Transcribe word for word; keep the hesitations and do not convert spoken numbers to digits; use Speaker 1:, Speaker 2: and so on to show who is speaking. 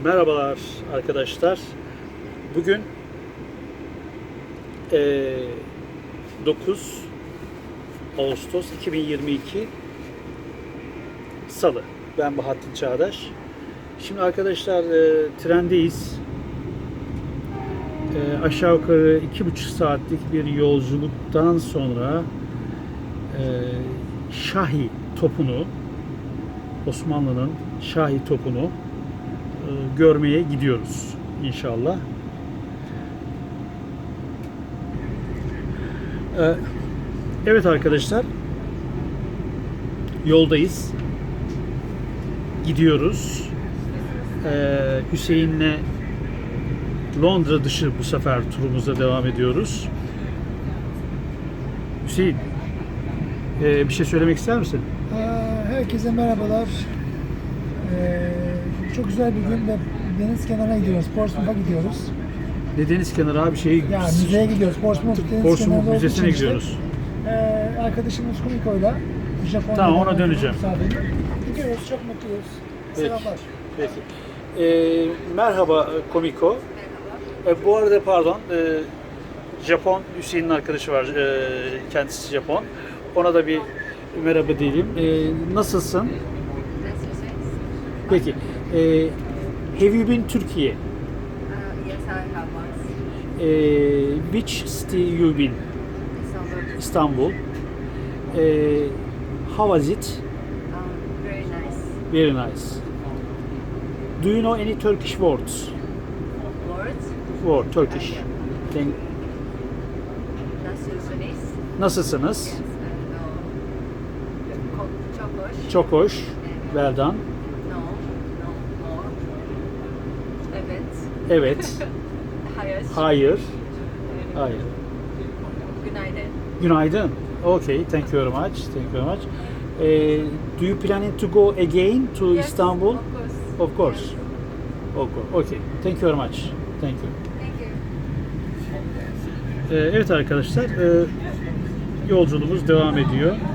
Speaker 1: Merhabalar arkadaşlar. Bugün e, dokuz Ağustos iki bin yirmi iki Salı. Ben Bahattin Çağdaş. Şimdi arkadaşlar e, trendeyiz. E, aşağı yukarı iki buçuk saatlik bir yolculuktan sonra e, Şahi topunu, Osmanlı'nın Şahi topunu görmeye gidiyoruz inşallah. Evet arkadaşlar, yoldayız, gidiyoruz. Hüseyin'le Londra dışı bu sefer turumuza devam ediyoruz. Hüseyin, bir şey söylemek ister misin?
Speaker 2: Herkese merhabalar. Çok güzel bir gün ve deniz kenarına gidiyoruz. Portsmouth'a gidiyoruz.
Speaker 1: Ne deniz kenarı abi şey?
Speaker 2: Ya müzeye gidiyoruz. Portsmouth deniz
Speaker 1: Portsmouth
Speaker 2: kenarında
Speaker 1: Müzesi'ne gidiyoruz.
Speaker 2: Ee, arkadaşımız Kumiko'yla Japonya'da.
Speaker 1: Tamam, ona döneceğim.
Speaker 2: Gidiyoruz, çok mutluyuz.
Speaker 1: Peki.
Speaker 2: Selamlar.
Speaker 1: Peki. Ee, merhaba Komiko. Ee, bu arada pardon, e, Japon Hüseyin'in arkadaşı var. E, kendisi Japon. Ona da bir merhaba diyelim. E, nasılsın? Peki. E, have you been Turkey?
Speaker 3: Uh, yes, I have once.
Speaker 1: E, which city you been?
Speaker 3: Istanbul.
Speaker 1: İstanbul. E, how was it?
Speaker 3: Um, very nice.
Speaker 1: Very nice. Do you know any Turkish words?
Speaker 3: Words?
Speaker 1: Word, Turkish.
Speaker 3: Uh, yeah.
Speaker 1: Then,
Speaker 3: Nasılsınız?
Speaker 1: nasılsınız?
Speaker 3: Yes, I know. Ko- Çok hoş.
Speaker 1: Çok hoş. Well done.
Speaker 3: No, no, more. Evet.
Speaker 1: Evet.
Speaker 3: Hayır.
Speaker 1: Hayır. Hayır.
Speaker 3: Günaydın.
Speaker 1: Günaydın. Okay, thank you very much. Thank you very much. Eh, do you planning to go again to
Speaker 3: Yes,
Speaker 1: Istanbul?
Speaker 3: Of course.
Speaker 1: Of course.
Speaker 3: Yes.
Speaker 1: Okay. Okay. Thank you very much. Thank you.
Speaker 3: Thank you.
Speaker 1: Eh, evet arkadaşlar, eh, yolculuğumuz devam ediyor.